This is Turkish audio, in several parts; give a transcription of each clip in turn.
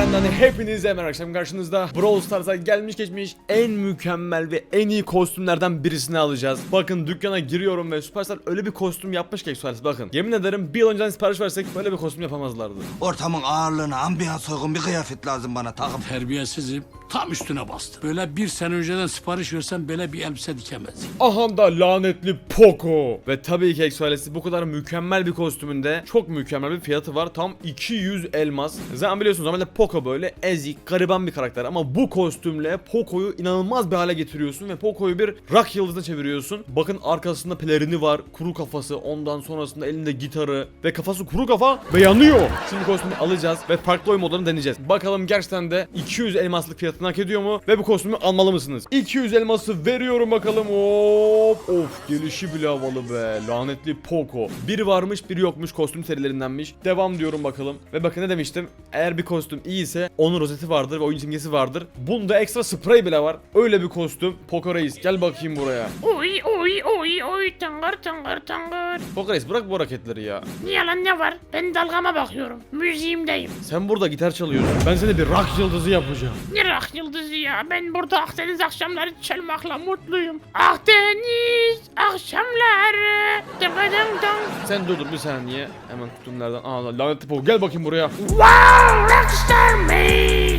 kanalından hepinize merhaba. Akşam karşınızda Brawl Stars'a gelmiş geçmiş en mükemmel ve en iyi kostümlerden birisini alacağız. Bakın dükkana giriyorum ve Superstar öyle bir kostüm yapmış ki Express, bakın. Yemin ederim bir yıl önceden sipariş versek böyle bir kostüm yapamazlardı. Ortamın ağırlığına, ambiyans uygun bir kıyafet lazım bana takım. Terbiyesizim, tam üstüne bastı. Böyle bir sene önceden sipariş versem böyle bir elbise dikemezdim. Aha da lanetli Poco. Ve tabii ki Express bu kadar mükemmel bir kostümünde çok mükemmel bir fiyatı var. Tam 200 elmas. Zaten biliyorsunuz normalde Poco böyle ezik, gariban bir karakter ama bu kostümle Poco'yu inanılmaz bir hale getiriyorsun ve Poco'yu bir rock yıldızına çeviriyorsun. Bakın arkasında pelerini var, kuru kafası, ondan sonrasında elinde gitarı ve kafası kuru kafa ve yanıyor. Şimdi kostümü alacağız ve farklı oyun modlarını deneyeceğiz. Bakalım gerçekten de 200 elmaslık fiyatını hak ediyor mu ve bu kostümü almalı mısınız? 200 elması veriyorum bakalım. Hop. Of, gelişi bile havalı be. Lanetli Poco. Biri varmış, biri yokmuş, kostüm serilerindenmiş. Devam diyorum bakalım. Ve bakın ne demiştim? Eğer bir kostüm iyiyse onun rozeti vardır ve oyun simgesi vardır. Bunda ekstra sprey bile var. Öyle bir kostüm. Poco Reis gel bakayım buraya. Oy oy oy oy tangır tangır tangır. Poco Reis bırak bu hareketleri ya. Niye lan, ne var? Ben dalgama bakıyorum. Müziğimdeyim. Sen burada gitar çalıyorsun. Ben seni bir rock yıldızı yapacağım. Ne rock yıldızı ya? Ben burada Akdeniz akşamları çalmakla mutluyum. Akdeniz akşamları. Dıgıdım dım. Sen dur bir saniye. Hemen kutumlardan. Aa, lanetli Poco gel bakayım buraya. Wow, rockstar man.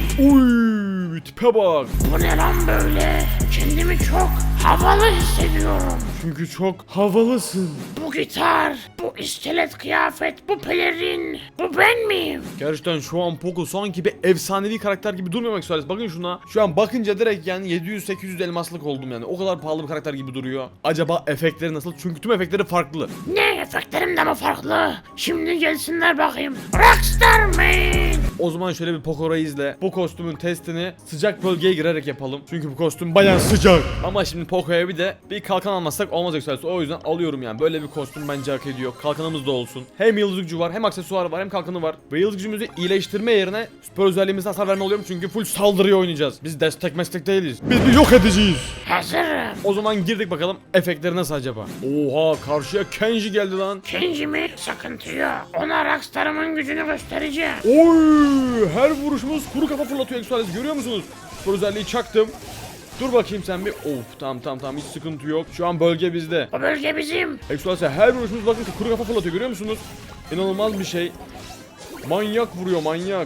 Uy, tipe bak. Bu ne lan böyle? Kendimi çok havalı hissediyorum. Çünkü çok havalısın. Bu gitar, bu iskelet kıyafet, bu pelerin, bu ben miyim? Gerçekten şu an Poco sanki bir efsanevi karakter gibi durmuyor Maxwell. Bakın şuna. Şu an bakınca direkt yani 700-800 elmaslık oldum yani. O kadar pahalı bir karakter gibi duruyor. Acaba efektleri nasıl? Çünkü tüm efektleri farklı. Ne, efektlerim de mi farklı? Şimdi gelsinler bakayım. Rockstar man. O zaman şöyle bir Poco Reis'le bu kostümün testini sıcak bölgeye girerek yapalım. Çünkü bu kostüm bayağı sıcak. Ama şimdi Poco'ya bir de bir kalkan almazsak olmaz Maxwell. O yüzden alıyorum yani. Böyle bir kostüm bence hak ediyor. Kalkanımız da olsun. Hem yıldız gücü var, hem aksesuarı var, hem kalkanı var. Ve yıldız gücümüzü iyileştirme yerine süper özelliğimizde hasar verme oluyorum. Çünkü full saldırıya oynayacağız. Biz destek meslek değiliz. Biz bir yok edeceğiz. Hazırım. O zaman girdik bakalım efektleri nasıl acaba? Oha, karşıya Kenji geldi lan. Kenji mi? Sıkıntı yok. Ona Rockstar'ımın gücünü göstereceğim. Oy, her vuruşumuz kuru kafa fırlatıyor Exuales, görüyor musunuz? Bu özelliği çaktım. Dur bakayım sen bir. Of, tamam hiç sıkıntı yok. Şu an bölge bizde. O bölge bizim. Exuales'e her vuruşumuz bakın kuru kafa fırlatıyor, görüyor musunuz? İnanılmaz bir şey. Manyak vuruyor, manyak.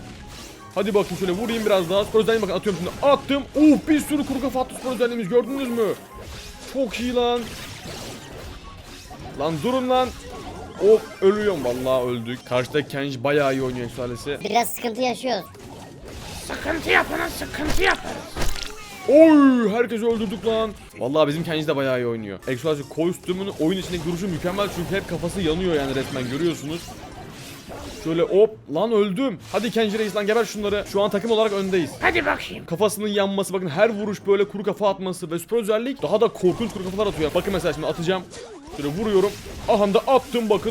Hadi bakayım şöyle vurayım biraz daha. Spor özelliğine bakın, atıyorum şimdi. Attım. Bir sürü kuru kafa attı spor özelliğimiz, gördünüz mü? Çok iyi lan. Lan durun lan. Ölüyorum, vallahi öldük. Karşıda Kenji bayağı iyi oynuyor Exuales'i. Biraz sıkıntı yaşıyoruz. Sıkıntı yapana sıkıntı yaparız. Herkesi öldürdük lan. Vallahi bizim Kenji de bayağı iyi oynuyor. Exuales'in kostümünün oyun içindeki duruşu mükemmel çünkü hep kafası yanıyor yani, resmen görüyorsunuz. Şöyle lan öldüm. Hadi Kenji Reis lan, geber şunları. Şu an takım olarak öndeyiz. Hadi bakayım. Kafasının yanması, bakın her vuruş böyle kuru kafa atması ve süper özellik daha da korkunç kuru kafalar atıyor. Bakın mesela şimdi atacağım. Şöyle vuruyorum. Aha da attım bakın.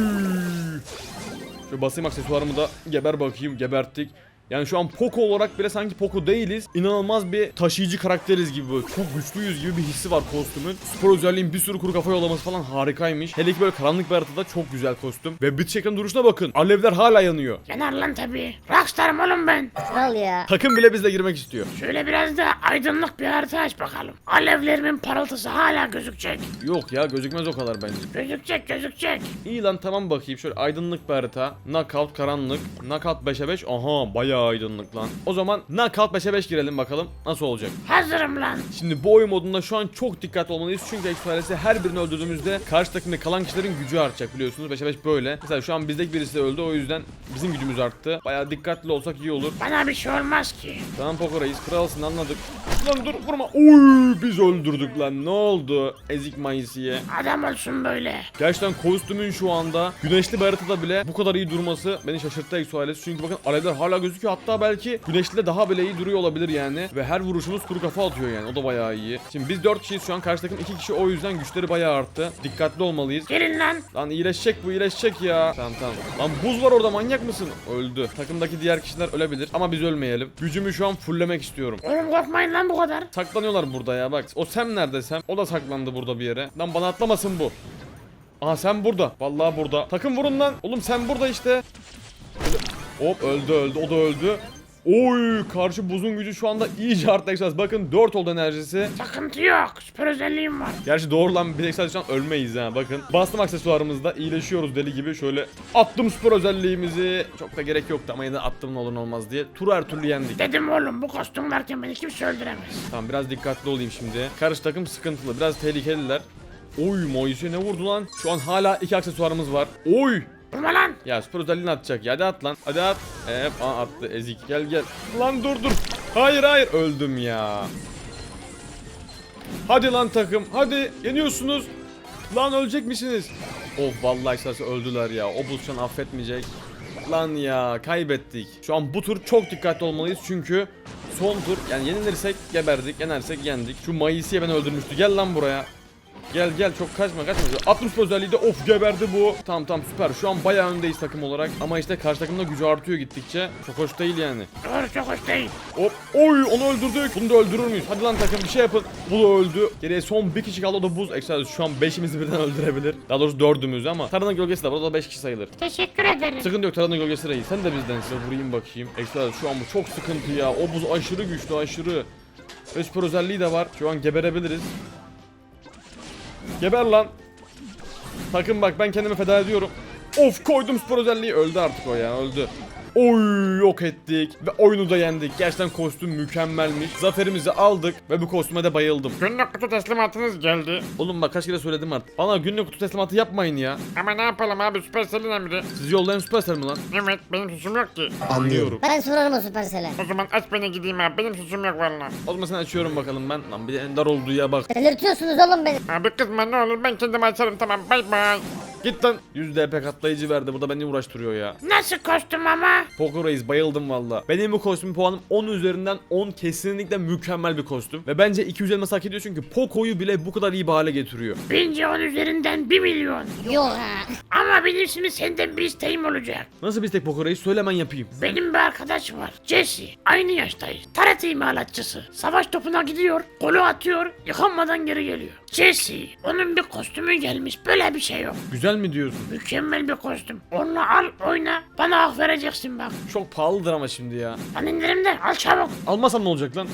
Şöyle basayım aksesuarımı da, geber bakayım, geberttik. Yani şu an Poco olarak bile sanki Poco değiliz. İnanılmaz bir taşıyıcı karakteriz gibi, böyle çok güçlüyüz gibi bir hissi var kostümün. Spor özelliğin bir sürü kuru kafa yollaması falan harikaymış. Hele ki böyle karanlık bir haritada çok güzel kostüm. Ve bitiş ekranı duruşuna bakın. Alevler hala yanıyor. Yanar lan tabii. Rockstar'ım oğlum ben. Kral ya. Takım bile bizle girmek istiyor. Şöyle biraz da aydınlık bir harita aç bakalım. Alevlerimin parıltısı hala gözükecek. Yok ya, gözükmez o kadar bence. Gözükecek. İyi lan, tamam bakayım. Şöyle aydınlık bir harita. Knockout karanlık. Knockout 5'e 5. Aha, bayağı aydınlık lan. O zaman Knockout 5'e 5 girelim bakalım nasıl olacak. Hazırım lan. Şimdi bu oyun modunda şu an çok dikkatli olmalıyız. Çünkü Exuales'i her birini öldürdüğümüzde karşı takımda kalan kişilerin gücü artacak, biliyorsunuz. 5'e 5 böyle. Mesela şu an bizdeki birisi de öldü, o yüzden bizim gücümüz arttı. Bayağı dikkatli olsak iyi olur. Bana bir şey olmaz ki. Tamam Poco Reis, kralsın, anladık. Lan dur, vurma. Biz öldürdük lan, ne oldu? Ezik Mayısı'ya. Adam olsun böyle. Gerçekten kostümün şu anda güneşli bir haritada bile bu kadar iyi durması beni şaşırttı Exuales. Çünkü bakın alevler hala gözüküyor, hatta belki güneşli de daha bile iyi duruyor olabilir yani. Ve her vuruşumuz kuru kafa atıyor yani, o da bayağı iyi. Şimdi biz 4 kişiyiz şu an, karşı takım 2 kişi, o yüzden güçleri bayağı arttı. Dikkatli olmalıyız. Gelin lan. Lan iyileşecek bu, iyileşecek ya. Tamam. Lan buz var orada, manyak mısın? Öldü. Takımdaki diğer kişiler ölebilir ama biz ölmeyelim. Gücümü şu an fulllemek istiyorum. Oğlum korkmayın lan bu kadar. Saklanıyorlar burada ya, bak. O Sam nerede Sam? O da saklandı burada bir yere. Lan bana atlamasın bu. Aha, sen burada. Vallahi burada. Takım vurun lan. Oğlum sen burada işte. Öldü. O da öldü. Oy, karşı buzun gücü şu anda iyice arttı Exodus. Bakın 4 oldu enerjisi. Sıkıntı yok. Süper özelliğim var. Gerçi doğru lan, bir Exodus şu an ölmeyiz ha bakın. Bastım aksesuarımızda, iyileşiyoruz deli gibi. Şöyle attım süper özelliğimizi. Çok da gerek yoktu ama yine de attım ne olur ne olmaz diye. Turu her türlü yendik. Dedim oğlum bu kostüm varken beni kimse öldüremez. Tamam, biraz dikkatli olayım şimdi. Karşı takım sıkıntılı, biraz tehlikeliler. Oy, Moise ne vurdu lan? Şu an hala 2 aksesuarımız var. Oy! Vurma lan. Ya süper özelliğini atacak ya, hadi at lan, hadi at. Attı ezik, gel gel. Lan dur. Hayır öldüm ya. Hadi lan takım, hadi yeniyorsunuz. Lan ölecek misiniz? Of vallahi esas öldüler ya, o buz şu an affetmeyecek. Lan ya, kaybettik. Şu an bu tur çok dikkatli olmalıyız çünkü son tur, yani yenilirsek geberdik, yenersek yendik. Şu Mayıs'ı ben öldürmüştü, gel lan buraya. Gel çok kaçma. 60 özelliği de of geberdi bu. Tamam süper. Şu an bayağı öndeyiz takım olarak. Ama işte karşı takımda gücü artıyor gittikçe. Çok hoş değil yani. Doğru, çok hoş değil. Hop. Oy, onu öldürdük. Bunu da öldürür müyüz? Hadi lan takım, bir şey yapın. Bu da öldü. Geriye son bir kişi kaldı, o da buz. Ekstra şu an 5'imizi birden öldürebilir. Daha doğrusu 4'ümüz ama. Taranın gölgesi de var. O da 5 kişi sayılır. Teşekkür ederim. Sıkıntı yok, Taranın gölgesi reis. Sen de bizden, size vurayım bakayım. Ekstra şu an bu çok sıkıntı ya. O buz aşırı güçlü, aşırı. Ve süper özelliği de var. Şu an geberebiliriz. Geber lan. Takım bak, ben kendimi feda ediyorum. Of, koydum spor özelliği. Öldü artık o ya, öldü. Oy, yok ettik ve oyunu da yendik. Gerçekten kostüm mükemmelmiş. Zaferimizi aldık ve bu kostüme de bayıldım. Günlük kutu teslimatınız geldi. Oğlum bak, kaç kere söyledim artık. Bana günlük kutu teslimatı yapmayın ya. Ama ne yapalım abi, Supercell'in emri. Siz yollayan Supercell mi lan? Evet, benim suçum yok ki. Anlıyorum. Ben sorarım o Supercell'e. O zaman aç beni gideyim abi, benim suçum yok vallahi. O zaman sen açıyorum bakalım ben. Lan bir de ender olduğu ya bak. Delirtiyorsunuz oğlum beni. Abi kızma ne olur, ben kendim açarım, tamam, bay bay. Git lan. 100 DP katlayıcı verdi. Bu da beni uğraştırıyor ya. Nasıl kostüm ama? Poker Reis, bayıldım valla. Benim bu kostüm puanım 10 üzerinden 10, kesinlikle mükemmel bir kostüm. Ve bence 200 elmas hak ediyor çünkü Poco'yu bile bu kadar iyi bir hale getiriyor. Bence 10 üzerinden 1 milyon. Yok ha. Ama benim şimdi senden bir isteğim olacak. Nasıl bir istek Poker Reis? Söyle, hemen yapayım. Benim bir arkadaş var, Jesse. Aynı yaştayız. TRT imalatçısı. Savaş topuna gidiyor, golü atıyor, yıkanmadan geri geliyor. Jesse, onun bir kostümü gelmiş, böyle bir şey yok. Güzel mi diyorsun? Mükemmel bir kostüm. Onu al, oyna, bana hak vereceksin bak. Çok pahalıdır ama şimdi ya. Ben indirimde, al çabuk. Almasam ne olacak lan?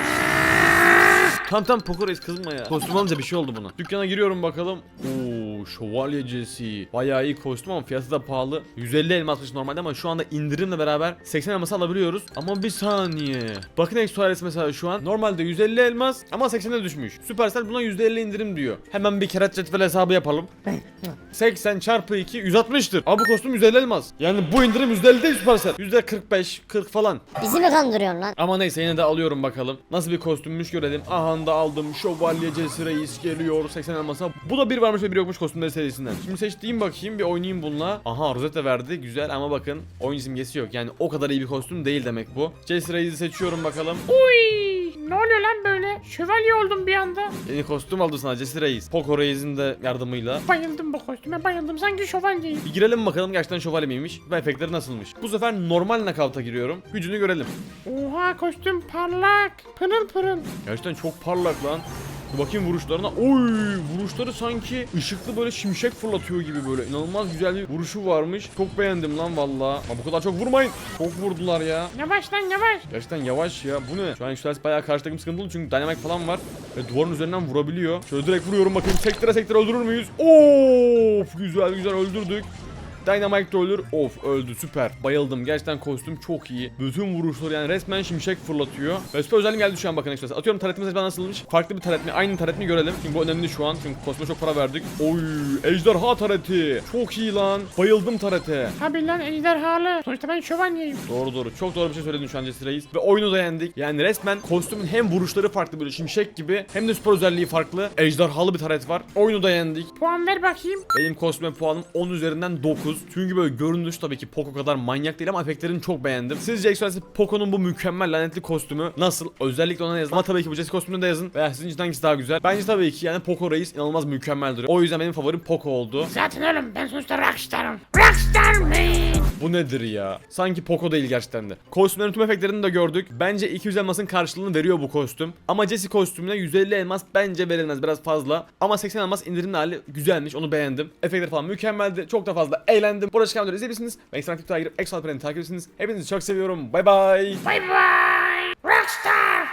Tamam Poker Reis, kızma ya. Kostüm alınca bir şey oldu buna. Dükkana giriyorum bakalım. Oo, şövalye Jesse. Bayağı iyi kostüm ama fiyatı da pahalı. 150 elmasmış normalde ama şu anda indirimle beraber 80 elmas alabiliyoruz. Ama bir saniye. Bakın Exoales mesela şu an normalde 150 elmas ama 80'e düşmüş. Supercell buna %50 indirim diyor. Hemen bir kere cetvel hesabı yapalım. 80 çarpı 2 160'tır. Abi bu kostüm 150 elmas. Yani bu indirim %50 değil Supercell. %45 40 falan. Bizi mi kandırıyorsun lan? Ama neyse, yine de alıyorum bakalım. Nasıl bir kostümmüş görelim. Aha da aldım. Şövalye Jesse Reis geliyor 80 elmasa. Bu da bir varmış ve bir yokmuş kostümleri serisinden. Şimdi seçtiğim bakayım, bir oynayayım bununla. Aha, Rosetta verdi, güzel ama bakın oyun simgesi yok. Yani o kadar iyi bir kostüm değil demek bu. Jesse Reis'i seçiyorum bakalım. Uy, ne oluyor lan böyle? Şövalye oldum bir anda. Yeni kostüm aldı sana Jesse Reis. Poco Reis'in de yardımıyla. Bayıldım bu kostüme, bayıldım, sanki şövalyeyim. Bir girelim bakalım gerçekten şövalye miymiş ve efektleri nasılmış. Bu sefer normal knockout'a giriyorum. Gücünü görelim. Oha, kostüm parlak, pırıl pırıl. Gerçekten çok parlak lan. Dur bakayım vuruşlarına. Oy, vuruşları sanki ışıklı, böyle şimşek fırlatıyor gibi böyle. İnanılmaz güzel bir vuruşu varmış. Çok beğendim lan valla. Ama bu kadar çok vurmayın. Çok vurdular ya. Yavaş lan yavaş. Gerçekten yavaş ya. Bu ne? Şu an Exodus bayağı karşı takım sıkıntılı çünkü dynamite falan var. Ve duvarın üzerinden vurabiliyor. Şöyle direkt vuruyorum bakayım. Sektire öldürür müyüz? Of, güzel öldürdük. Dynamite de ölür. Of, öldü, süper. Bayıldım. Gerçekten kostüm çok iyi. Bütün vuruşları yani resmen şimşek fırlatıyor. Ve süper özelliğim geldi şu an, bakın Exodus. Atıyorum, taretimiz acaba nasılmış? Farklı bir taret mi? Aynı taret mi görelim. Çünkü bu önemli şu an. Çünkü kostüme çok para verdik. Oy, ejderha tareti. Çok iyi lan. Bayıldım tarete. Tabi lan, ejderhalı. Sonuçta ben şövalyeyim. Doğru. Çok doğru bir şey söyledin şu an Jesse Reis. Ve oyunu da yendik. Yani resmen kostümün hem vuruşları farklı, böyle şimşek gibi, hem de spor özelliği farklı. Ejderhalı bir taret var. Oyunu da yendik. Puan ver bakayım. Benim kostüme puanım 10 üzerinden 9. Çünkü böyle görünüş tabii ki Poco kadar manyak değil ama efektlerini çok beğendim. Sizce Exodus Poco'nun bu mükemmel lanetli kostümü nasıl? Özellikle ona yazın. Ama tabii ki bu Jesse kostümünü de yazın. Veya sizin için hangisi daha güzel? Bence tabii ki yani Poco Reis inanılmaz mükemmeldir. O yüzden benim favorim Poco oldu. Zaten oğlum, ben sonuçta rockstarım. Rockstar man. Bu nedir ya? Sanki Poco değil gerçekten de. Kostümlerin tüm efektlerini de gördük. Bence 200 elmasın karşılığını veriyor bu kostüm. Ama Jesse kostümüne 150 elmas bence verilmez, biraz fazla. Ama 80 elmas indirimli hali güzelmiş, onu beğendim. Efektler falan mükemmeldi. Çok da fazla eğlendim. Burada çıkan videoları izleyebilirsiniz. Ve ekstrem takip girip Exo Alperen'i takip ediyorsunuz. Hepinizi çok seviyorum. Bay bay. Bay bay.